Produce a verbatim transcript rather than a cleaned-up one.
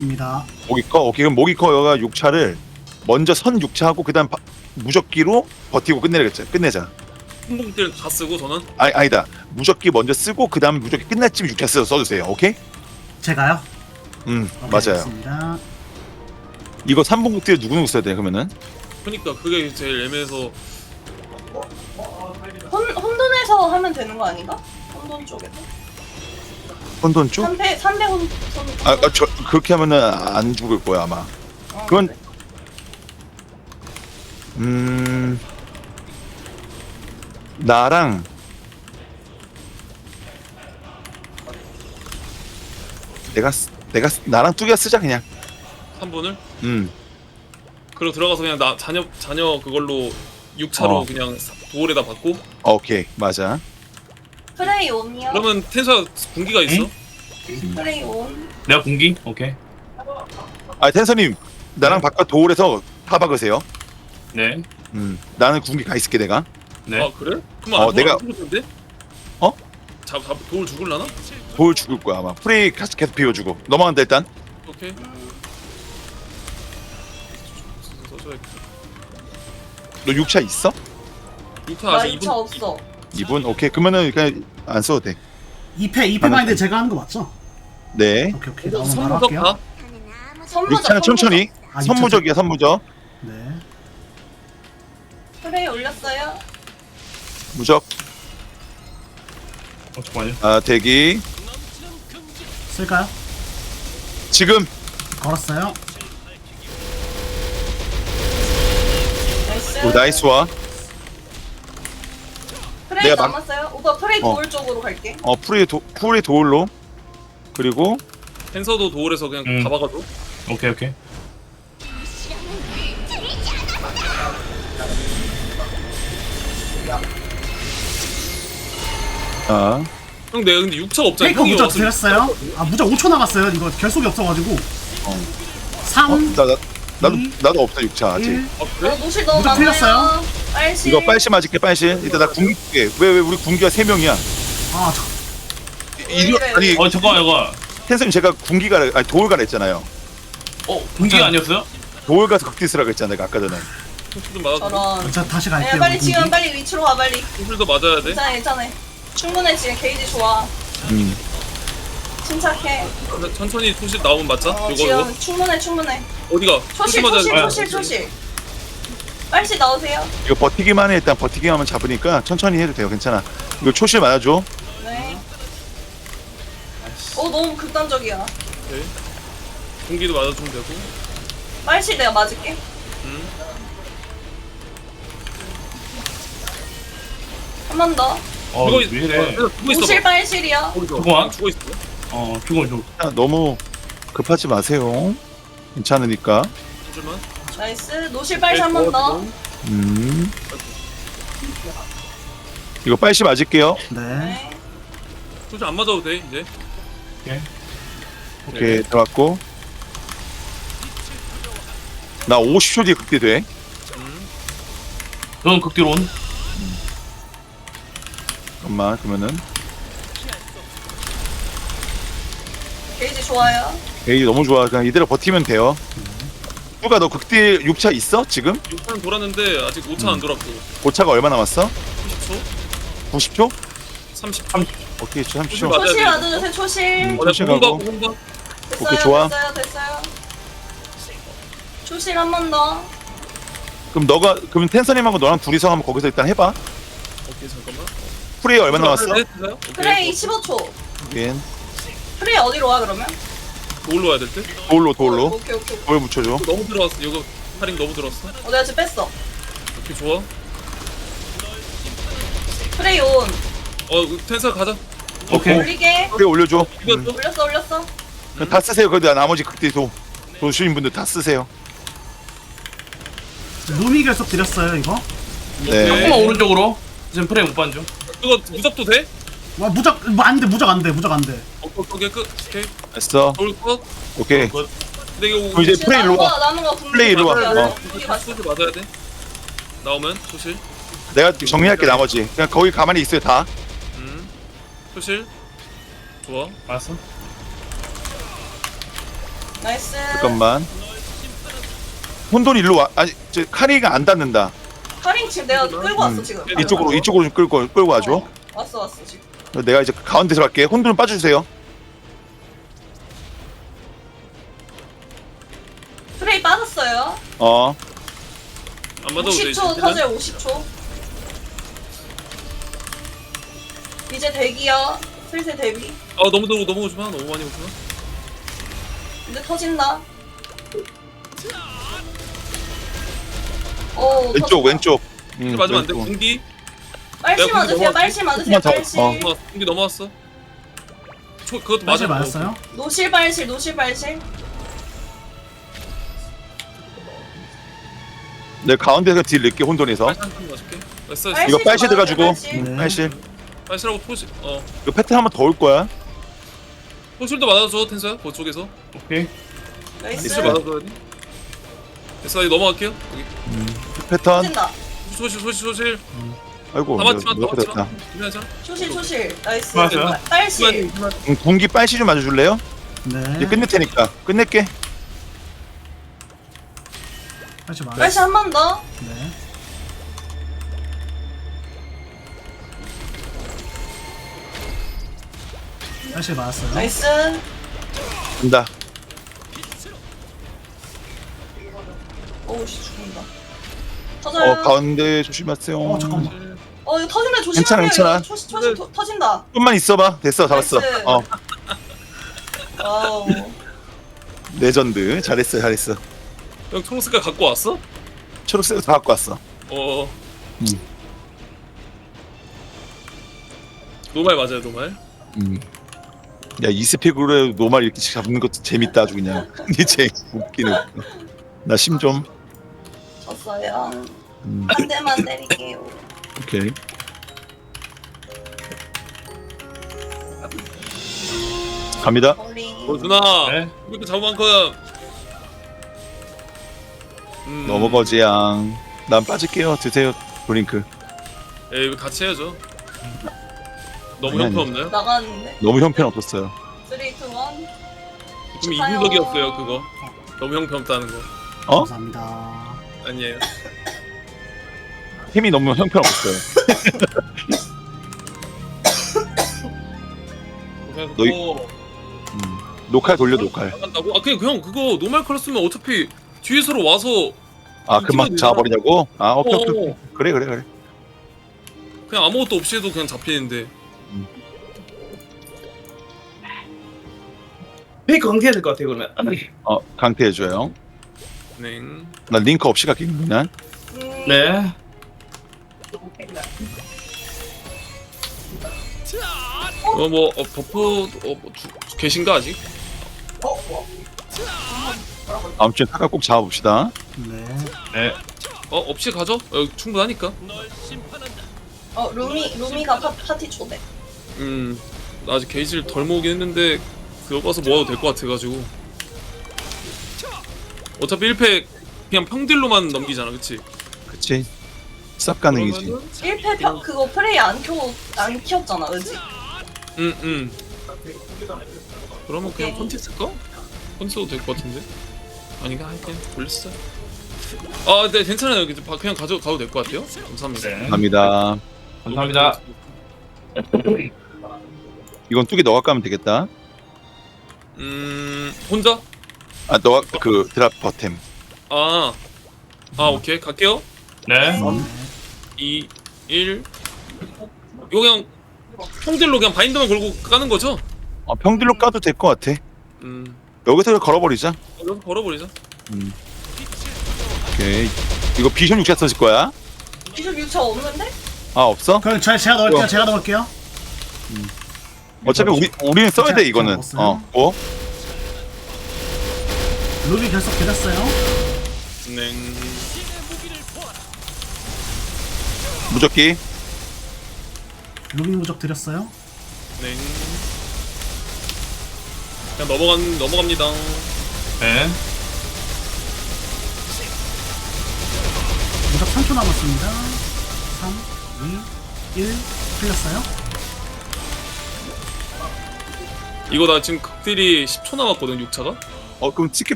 입니다. 모기 커. 오케이 그럼 모기 커가 육 차를 먼저 선 육 차 하고 그다음 바, 무적기로 버티고 끝내겠자. 끝내자. 항공들 다 쓰고 저는 아니 아니다. 무적기 먼저 쓰고 그다음 무적기 끝날 쯤 육 차 써 써주세요. 오케이? 제가요? 음 오케이, 맞아요. 알겠습니다. 이거 삼 분 극딜 누구 누구 써야 돼 그러면은? 그러니까 그게 제일 애매해서 혼, 혼돈에서 하면 되는 거 아닌가? 혼돈 쪽에서? 혼돈 쪽? 삼배 삼배 혼, 혼, 아, 아, 저 그렇게 하면은 안 죽을 거야 아마. 어, 그건 그래. 음 나랑 내가 쓰- 내가 쓰- 나랑 뚜기가 쓰자 그냥. 삼 분을 음 그리고 들어가서 그냥 나 자녀 자녀 그걸로 육 차로 어. 그냥 도올에다 받고 오케이 맞아. 프레이 온이요? 그러면 텐사 군기가 있어? 응? 프레이 온. 내가 공기? 오케이. 아 텐서님 나랑 바깥 도울에서 타 박으세요. 네. 음 나는 군기 가 있을게 내가. 네. 아 그래? 그럼 어, 안, 내가- 안 죽을 텐데? 어? 잡, 잡 도올 죽을라나? 도울 죽을 거야 아마. 프레이 계속 계속 비워주고 넘어간다 일단. 오케이. 써줘야겠다. 너 육 차 있어? 육 차 나 아직 이 이 차 분 없어. 이 분 오케이 그러면은 그냥 안 써도 돼. 이 패 이 패 하나 마인드 더. 제가 하는 거 맞죠? 네. 오케이 오케이. 나오면 바로 선무적 할게요. 다? 선무적, 육 차는 천천히. 아, 선무적이야 선무적. 네. 프레이 올렸어요? 무적. 어, 잠깐만요. 아 대기. 쓸까요? 지금 걸었어요. 나이스. 오, 나이스와. 프레이 내가 막- 남았어요? 오빠 프레이 어. 도울 쪽으로 갈게. 어 프리 도 프리 도울로. 그리고 텐서도 도올에서 그냥 음. 다 박아줘. 오케이, 오케이. 아 형 내가 근데 육 차 없잖아. 페이커 형이 무적 왔으면 드렸어요. 아 무적 오 초 남았어요. 이거 결속이 없어가지고. 어. 삼, 어, 나, 나, 나도 이, 나도 없어 육 차 아직. 일. 아 어, 그래? 노실 너무 무적 많아요. 틀렸어요? 빨실. 이거 빨시 맞을게 빨시. 일단 나 군기 줄게. 왜왜 우리 군기가 세 명이야. 아 저, 이 이래. 아니 어, 잠깐만, 이거. 텐스님 제가 군기가 아니 도울 가라 했잖아요. 어, 공기가 아니었어요? 도울 가서 극디스라고 했잖아 내가 아까 전에. 좀 맞아줘. 저런. 저 다시 야, 갈게요. 빨리 공기. 지금 빨리 위치로 가 빨리. 술도 맞아야 돼. 괜찮아 괜찮아. 충분해 지금 게이지 좋아. 음. 침착해. 근데 천천히 소실 나오면 맞자. 어, 요거 지금 요거. 충분해 충분해. 어디가? 초실 맞아야 초실 돼. 초실 초실. 빨리 나오세요. 이거 버티기만 해 일단 버티기만 하면 잡으니까 천천히 해도 돼요 괜찮아. 이거 초실 맞아줘. 네. 어 너무 극단적이야. 오케이. 공기도 맞아주면 되고. 빨실 내가 맞을게. 음. 한 번 더. 어, 죽어 왜 있. 이래? 어, 죽어 있어. 노실 빨실이야. 잠깐만. 죽어 있어. 어, 죽어, 죽어. 아, 너무 급하지 마세요. 괜찮으니까. 잠시만. 나이스. 노실 빨실 한 번 더. 음. 이거 빨시 맞을게요. 네. 네. 소실 안 맞아도 돼 이제. 오케이. 오케이 들어갔고. 나 오십 초 뒤에 극대 돼. 음. 저는 극딜 온. 잠깐만 그러면은 게이지 좋아요. 에이 너무 좋아. 그냥 이대로 버티면 돼요. 누가 너 극딜 육 차 있어 지금? 육 차는 돌았는데 아직 오 차 안 돌았고. 고차가 얼마 남았어? 삼십 초? 구십 초? 삼십. 오케이 삼십 초. 맞아야 초실 돼. 와줘주세요 초실. 음. 어, 내가 소실 공방 가고. 공방. 됐어요 오케이, 좋아. 됐어요 됐어요. 초실 한 번 더. 그럼 너가 그럼 텐서님하고 너랑 둘이서 한번 거기서 일단 해봐. 오케이 잠깐만. 프레이 얼마 남았어? 네, 됐어요? 오케이. 프레이 십오 초. 인 프레이 어디로 와 그러면? 돌로 와야 될 듯? 돌로 돌로 오케이 오케이. 오케이. 돌 붙여줘. 너무 들어왔어. 이거 할인 너무 들어왔어. 어 내가 지금 뺐어. 오케이 좋아. 프레이 온. 어 텐사 가자. 오케이. 올리게. 프레이 올려줘. 이거 음. 또 올렸어 올렸어. 그냥 다 쓰세요. 그래도 나머지 극딜도 도시인 분들 다 쓰세요. 루미 결속 드렸어요 이거. 네. 조금만 오른쪽으로. 지금 프레임 못 반중. 이거 무적도 돼? 와 무적 뭐 안돼 무적 안돼 무적 안돼. 어, 어, 오케이 끝. 오케이. 됐어. 돌 컷. 오케이. 굿. 근데 이거 그럼 이제 지금 프레이 일로 나눈 와. 거 나눈 거 분명히 프레이 일로 와. 맞아요. 어. 분명히 맞어. 소실 맞아야 돼. 나오면 소실. 내가 정리할게 나머지. 그냥 거기 가만히 있어요 다. 음. 소실. 좋아. 알았어. 나이스. 잠깐만. 혼돈이 일로 와. 아니 저 카리가 안 닿는다. 카링 지금 내가 끌고 왔어 음. 지금. 이쪽으로 이쪽으로 좀 끌고 끌고 와줘. 어, 왔어 왔어 지금. 내가 이제 가운데서 갈게. 혼돈은 빠져주세요. 프레이 빠졌어요. 어. 안 맞아도 돼. 오십 초 터질 오십 초. 이제 대기야. 슬슬 대비. 아 너무 너무 너무 오지 마. 너무 많이 오지 마. 이제 터진다. 오, 왼쪽 터졌다. 왼쪽. 음, 맞으면 안 돼. 왼쪽. 군기. 빨실 내가 맞으세요. 넘어갈게. 빨실 맞으세요. 조금만 더, 빨실. 어. 넘어 군기 넘어왔어. 초 그것도 빨실 맞아. 맞았어요? 노실 빨실 노실 빨실. 내가 가운데서 딜 넣게 혼돈에서. 빨실 한번 맞을게. 됐어. 빨실 이거 빨실 맞으세요, 들어가지고. 빨실. 네. 빨실. 빨실하고 포시. 어. 이거 패턴 한번 더 올 거야. 포실도 맞아줘 텐서야. 그쪽에서. 오케이. 나이스. 포실 맞아줘야 돼. 됐어. 이제 넘어갈게요. 여기. 패턴. 터진다. 소실 소실 소실. 아이고. 다 맞지마. 다 이렇게 맞지마. 됐다. 준비하자. 초실 초실. 나이스. 맞아요. 빨실. 음, 군기 빨시 좀 맞아줄래요? 이제 네. 끝낼 테니까. 끝낼게. 빨실 맞았어요. 빨실 한 번 더. 네. 빨실 맞았어요. 나이스. 간다. 오우씨 죽는다. 터져요. 어 가운데 조심하세요. 어 잠깐만. 어 이거 터진다 조심하세요. 괜찮아, 괜찮아. 이거 초시 초시 터- 터진다. 좀만 있어봐. 됐어, 잡았어. 나이스. 어 와우. 레전드. 잘했어, 잘했어. 형 초록색깔 갖고 왔어? 초록색 다 갖고 왔어. 어. 음. 노말 맞아요 노말. 음. 야, 이 스펙으로 노말 이렇게 잡는 것도 재밌다 아주 그냥. 이제 웃기네. 웃겨. 나 심 좀. 졌어요. 음, 한 대만 때릴게요. 오케이. 갑니다. 머리. 어 누나. 네. 이렇게 잡은 만큼. 음. 넘어거지양. 난 빠질게요. 드세요. 드링크. 에이 이거 같이 해야죠. 너무 아니, 아니. 형편없나요? 나갔는데. 너무 형편없었어요. 쓰리, 투, 일. 좀 축하해요. 이중적이었어요 그거. 너무 형편없다는 거. 어? 감사합니다. 아니에요. 힘이 너무 형편없었어요. 그래서 너희- 또 음. 녹화 돌려 녹화. 나간다고? 아 그냥 형 그거 노말 컬러 쓰면 어차피 뒤에서로 와서 아 금방 잡아버리냐고? 아 오케이 오케이. 오케이. 어, 그래 그래 그래. 그냥 아무것도 없이 해도 그냥 잡히는데. 페이 강퇴해야 될 것 같아 그러면. 어 강퇴해줘요. 네. 나 링크 없이 갈게 그냥. 음, 네. 어뭐 어, 버프 어, 뭐 주, 계신가 아직? 다음 주에 타가 꼭 잡아봅시다. 네. 네. 어 없이 가죠? 어, 충분하니까. 어 루미 루미가 파, 파티 초대. 음. 나 아직 게이지를 덜 모으긴 했는데 그거 가서 모아도 될 것 같아가지고. 어차피 일 패 그냥 평딜로만 넘기잖아, 그치? 그치? 쌉 가능이지. 그러면은 일 패 펴, 그거 프레이 안 켜, 안 키웠잖아, 그지? 응, 응. 그러면 그냥 펀치 쓸까? 펀치 써도 될 것 같은데? 아닌가? 하여튼 돌렸어. 아, 네, 괜찮아요. 그냥 바- 그냥 가져 가도 될 것 같아요. 감사합니다. 네. 감사합니다. 감사합니다. 이건 뚜기 너가 까면 되겠다. 음, 혼자? 아 너가 그 드랍 버템. 아, 아, 오케이, 갈게요. 네. 이, 일. 이거 그냥 평딜로 그냥 바인더만 걸고 까는 거죠? 어, 평딜로 까도 될 것 같아. 음, 여기서 걸어버리자. 여기서 걸어버리자. 음. 오케이. 이거 비션 육샷 써질 거야? 기술 유차 없는데? 아 없어? 그럼 저, 제가 넣을게요. 뭐야? 제가 넣을게요. 어차피 우리 우리는 써야 돼 자, 이거는. 먹었어요? 어. 뭐? 루비 결석 드렸어요. 네. 무적기. 루비 무적 드렸어요. 네. 그냥 넘어간 넘어갑니다. 네. 무적 삼 초 남았습니다. 삼, 이, 일 풀렸어요. 이거 나 지금 극딜이 십 초 남았거든 육 차가. 어 그럼 티켓